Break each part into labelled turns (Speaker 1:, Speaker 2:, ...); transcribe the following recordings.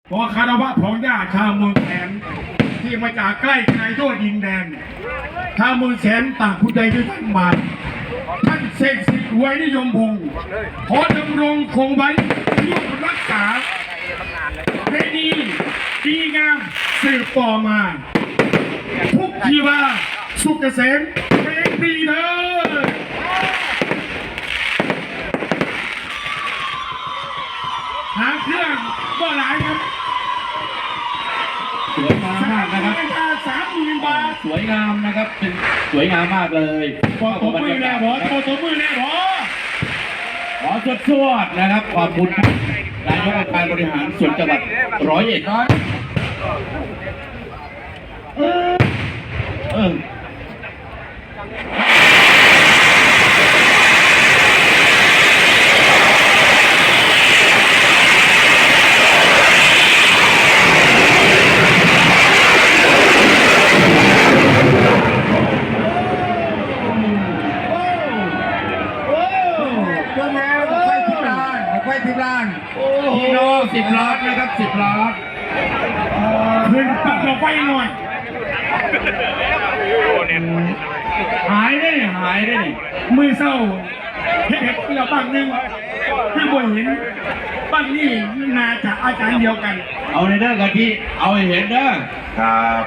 Speaker 1: ขอคารวะของญาติชาวเมืองแสนที่มาจากใกล้ไกลทั่วดินแดนชาวเมืองแสนต่างผู้ใดด้วยท่านมาท่านเสกสิทธิ์ไว้นิยมพงศ์ขอดำรงคงไว้ร่วมรักษาให้ดีงามสืบต่อมาทุกชีวาสุขเกษมเป็นปีเถิดหางเครื่องก็หลายครับ
Speaker 2: สวยงามมากนะครับ
Speaker 1: 30,000 บาท
Speaker 2: สวยงามนะครับเป็นสวยงามมากเลย
Speaker 1: ขอตัวมือแน่บอตัวมือแน่บอ
Speaker 2: ขอสวดๆนะครับขอบคุณนายกองค์การบริหารส่วนจังหวัด101พี่น้อง10 ล้านนะครับ10 ล้าน
Speaker 1: ขึ้นปักเราไฟหน่อยหายได้มือเศร้าเห็ดเราบ้างนึงถ้าบ่เห็นบ้างนี่นาจะอาจารย์เดียวกัน
Speaker 2: เอาในเด้อกันที่เอาให้เห็นเด้อ
Speaker 1: ครับ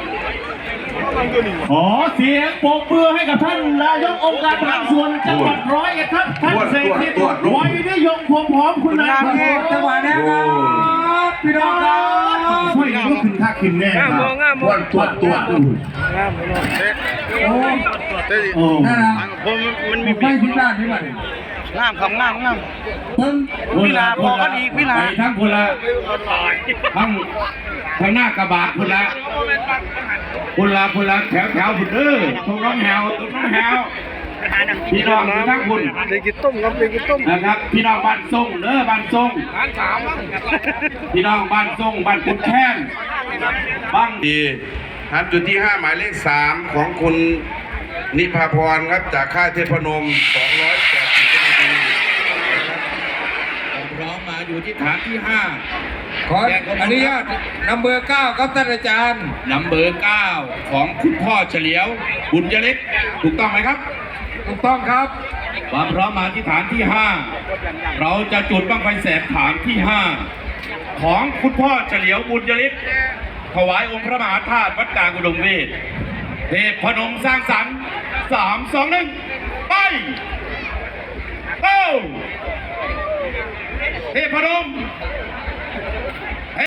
Speaker 3: ขอเสียงปรบมือให้กับท่านนายกองค์การบริหารส่วนจังหวัด101ครับท่านเสกสิทธิ์ไว้นิยมพงศ์หอมคุณนาย
Speaker 1: จังหวัดนี้ครับพี่น้องครับช่วยกันลุกขึ้นท่าขึ้นแน่ครับตัว
Speaker 4: งามเลยโอ้นั่นแหละผมมันมี
Speaker 1: ไม่พิจารณาที่ไหน
Speaker 4: งามครับงามวิลาพอกันอีกวิลา
Speaker 2: ทั้งคนละทั้งหน้ากระบะคนละแถวผุดตรงน้องแหวพี่น้องทั้งคุณ
Speaker 4: เลยกินต้มครับเลยกินต้ม
Speaker 2: นะครับพี่น้องบ้านทรงบ้านทรงพี่น้องบ้านทรงบ้านขุนแค้นบ้าง
Speaker 5: ดีครับจุดที่5หมายเลข3ของคุณนิพาพรครับจากค่ายเทพนม280นาที
Speaker 2: พร้อมมาอยู่ที่ฐานที่5
Speaker 5: ขออนุญาตนำเบอร์9ครับท่านอาจารย์
Speaker 2: นำเบอร์9ของคุณพ่อเฉลียวบุญยฤทธิ์ถูกต้องไหมครับ
Speaker 5: ถูกต้องครับ
Speaker 2: ความพร้อมมาที่ฐานที่5เราจะจุดบั้งไฟแสนฐานที่5ของคุณพ่อเฉลียวบุญยฤทธิ์ถวายองค์พระมหาธาตุวัดกลางอุดมเวทเทพนมสร้างสรรค์3 2 1ไปเทพนม